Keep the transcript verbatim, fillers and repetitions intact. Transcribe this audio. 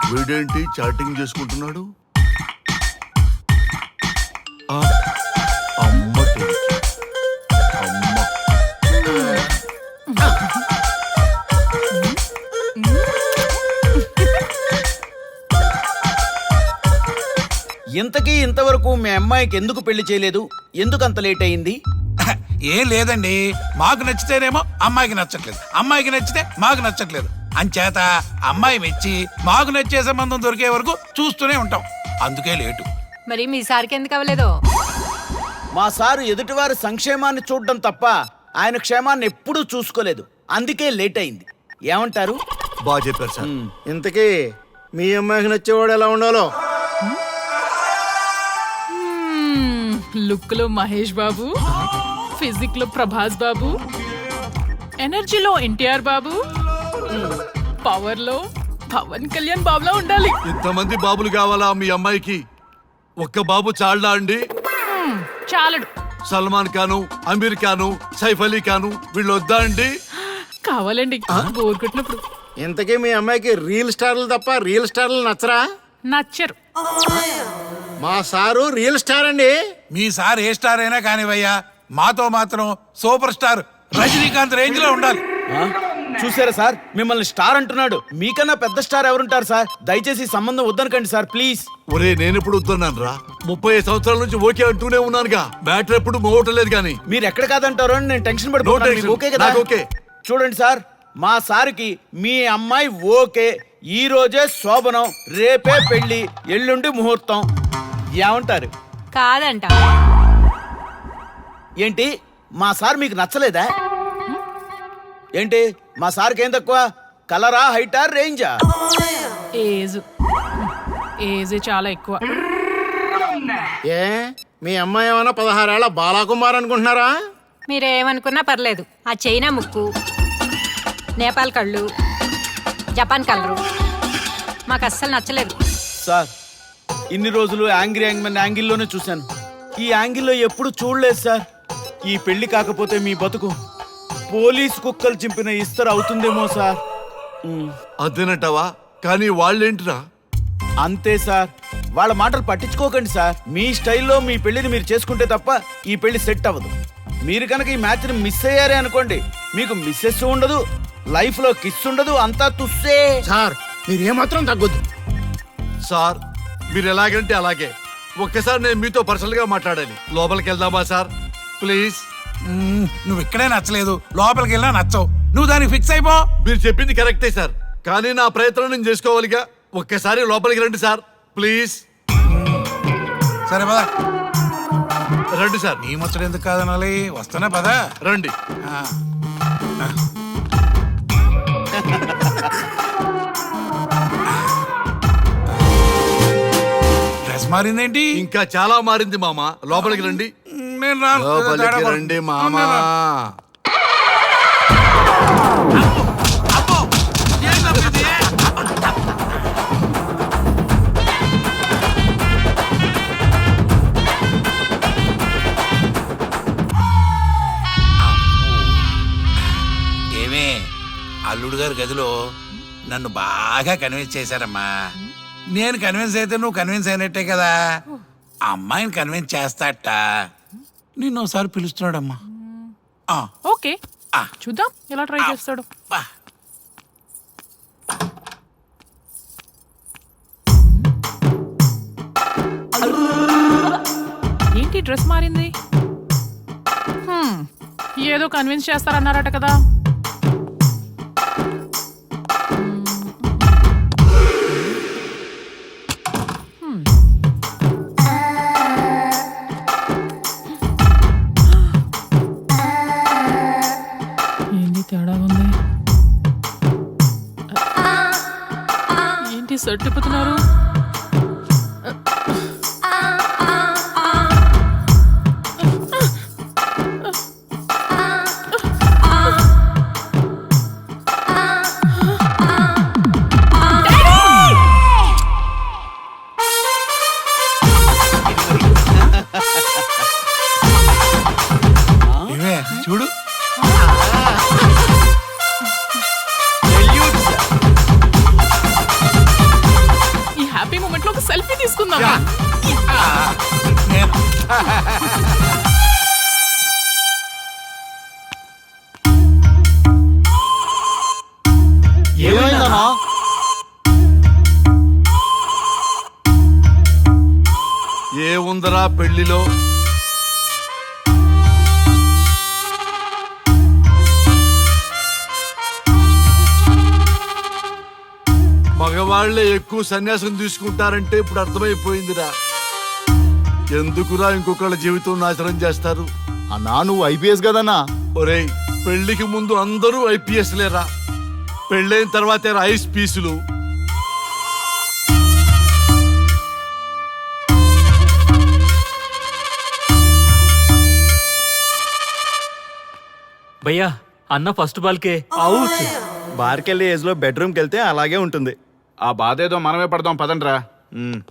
వీడేంటి చాటింగ్ చేసుకుంటున్నాడు? అమ్మ అమ్మ ఇంతకీ ఇంతవరకు మీ అమ్మాయికి ఎందుకు పెళ్లి చేయలేదు? ఎందుకు అంత లేట్ అయింది? ఏం లేదండి, మాకు నచ్చితేనేమో అమ్మాయికి నచ్చట్లేదు, అమ్మాయికి నచ్చితే మాకు నచ్చట్లేదు. అంచేత అమ్మాయి మెచ్చి మాకు నచ్చే సంబంధం దొరికే వరకు చూస్తూనే ఉంటాం. అందుకే లేటు. మరి మీ సార్కి ఎందుకు అవ్వలేదు? మా సారు ఎదుటివారి సంక్షేమాన్ని చూడడం తప్ప ఆయన క్షేమాన్ని ఎప్పుడూ చూసుకోలేదు. అందుకే లేట్ అయింది. ఏమంటారు? బాగా చెప్పారు సార్. ఇంతకీ మీ అమ్మాయికి నచ్చేవాడు ఎలా ఉండాలో? లుక్ లో మహేష్ బాబు, ఫిజిక్ లో ప్రభాస్ బాబు, ఎనర్జీలో ఎన్టీఆర్ బాబు, పవర్ లో పవన్ కళ్యాణ్ బాబులా ఉండాలి. ఇంతమంది బాబులు కావాలా మీ అమ్మాయికి? ఒక్క బాబు చాళ్ళా అండి? చాలడు. సల్మాన్ ఖాను, అమీర్ ఖాను, సైఫ్ అలీ ఖాను వీళ్ళు వద్దా అండి? కావాలండి బోర్ కొట్టినప్పుడు. ఇంతకీ మీ అమ్మాయికి రియల్ స్టార్లు తప్ప రియల్ స్టార్లు నచ్చరా? నచ్చరు. మా సారు రియల్ స్టార్ అండి. మీ సార్ ఏ స్టార్ అయినా కానివయ్యా, మాతో మాత్రం సూపర్ స్టార్ రజనీకాంత్ రేంజ్ లో ఉండాలి. ఆ? చూసారా సార్, మిమ్మల్ని స్టార్ అంటున్నాడు. మీకన్నా పెద్ద స్టార్ ఎవరుంటారు సార్? దయచేసి ఈ సంబంధం వద్దనకండి సార్, ప్లీజ్. ఒరే నేనెప్పుడు వద్దన్నాను రా? ముప్పై సంవత్సరాల నుంచి ఓకే అంటూనే ఉన్నానుగా. బ్యాటర్ ఎప్పుడు మోగటలేదు కానీ. మీరు ఎక్కడ కాదంటారో అని నేను టెన్షన్ No పడిపోతున్నాను. tension. మీకు ఓకే కదా? నాకు ఓకే. చూడండి సార్, మా సార్కి మీ అమ్మాయి ఓకే. ఈ రోజే శోభనం, రేపే పెళ్లి, ఎల్లుండి ముహూర్తం. ఏమంటారు? కాదంట. ఏంటి, మా సార్ మీకు నచ్చలేదా? ఏంటి, మా సార్కి ఏం తక్కువ? కలరా, హైటా, రేంజా? ఏజ్ ఏజ్ చాలా ఎక్కువ. ఏ మీ అమ్మాయి ఏమన్నా పదహారేళ్ల బాలాకుమార్ అనుకుంటున్నారా? మీరేమనుకున్నా పర్లేదు. ఆ చైనా ముక్కు, నేపాల్ కళ్ళు, జపాన్ కలరు మాకు అస్సలు నచ్చలేదు. సార్, ఇన్ని రోజులు యాంగ్రీ యాంగ్మెన్ యాంగిల్లోనే చూశాను. ఈ యాంగిల్లో ఎప్పుడు చూడలేదు సార్. ఈ పెళ్లి కాకపోతే మీ బతుకు పోలీస్ కుక్కలు చింపిన ఇస్తరు అవుతుందేమో సార్. ఉమ్, అదేనంటావా? కానీ వాళ్ళేంటిరా? అంతే సార్, వాళ్ళ మాటలు పట్టించుకోకండి సార్. మీ స్టైల్లో మీ పెళ్లిని మీరు చేసుకుంటే తప్ప ఈ పెళ్లి సెట్ అవ్వదు. మీరు కనుక ఈ మ్యాచ్ని మిస్ అయ్యారే అనుకోండి, మీకు మిస్సెస్ ఉండదు, లైఫ్ లో కిస్ ఉండదు, అంతా తుస్సే. సార్ మీరు ఏమాత్రం తగ్గొద్దు. సార్ మీరు ఎలాగంటే అలాగే. ఒక్కసారి నేను మీతో పర్సనల్ గా మాట్లాడాలి. లోపలికి వెళ్దామా సార్ ప్లీజ్? మ్మ్, నువ్వు ఇక్కడే నచ్చలేదు, లోపలికి వెళ్ళినా నచ్చవు. నువ్వు దానికి ఫిక్స్ అయిపో. మీరు చెప్పింది కరెక్టే సార్, కానీ నా ప్రయత్నం నేను చేసుకోవాలిగా. ఒక్కసారి లోపలికి రండి సార్ ప్లీజ్. సరే పదా, రండి సార్. నీ ముచ్చట ఎందుకు కాదనాలి, వస్తానే పదా. రండి. ఆ. డ్రెస్ మారిందేంటి? ఇంకా చాలా మారింది మామ. లోపలికి రండి. నేను రాను. లోపలికి రండి మామా. అబ్బో, ఏంటబ్బా ఇది? ఏమే, అల్లుడు గారి గదిలో నన్ను బాగా కన్విన్స్ చేశారమ్మా. నేను కన్విన్స్ అయితే నువ్వు కన్విన్స్ అయినట్టే కదా. అమ్మాయిని కన్విన్స్ చేస్తాట. నిన్ను ఒకసారి పిలుస్తున్నాడమ్మా. ఆ, ఓకే, ఆ. చూద్దాం ఎలా ట్రై చేస్తాడు. బా. ఏంటి డ్రెస్ మారింది? హ్మ్, ఏదో కన్విన్స్ చేస్తారన్నారట కదా. హ్మ్. ఏంటి తేడా ఉంది? ఏంటి సర్టిపోతున్నారు? ఇవే చూడు. ఏమైందన్నా ఏముందరా పెళ్లిలో మగవాళ్లే ఎక్కువ సన్యాసం తీసుకుంటారంటే ఇప్పుడు అర్థమైపోయిందిరా. ఎందుకురా ఇంకొకళ్ళ జీవితం నాశనం చేస్తారు? అన్నా నువ్వు ఐపీఎస్ కదన్నా. ఒరేయ్, పెళ్లికి ముందు అందరూ ఐపీఎస్ లేరా, పెళ్ళైన తర్వాతే ఐస్ పీసులు. భయ్యా అన్న ఫస్ట్ బాల్కే అవుట్. బార్కెళ్ళి ఏజ్ లో బెడ్రూమ్కి వెళ్తే అలాగే ఉంటుంది. ఆ బాధ ఏదో మనమే పడదాం పదండ్రా.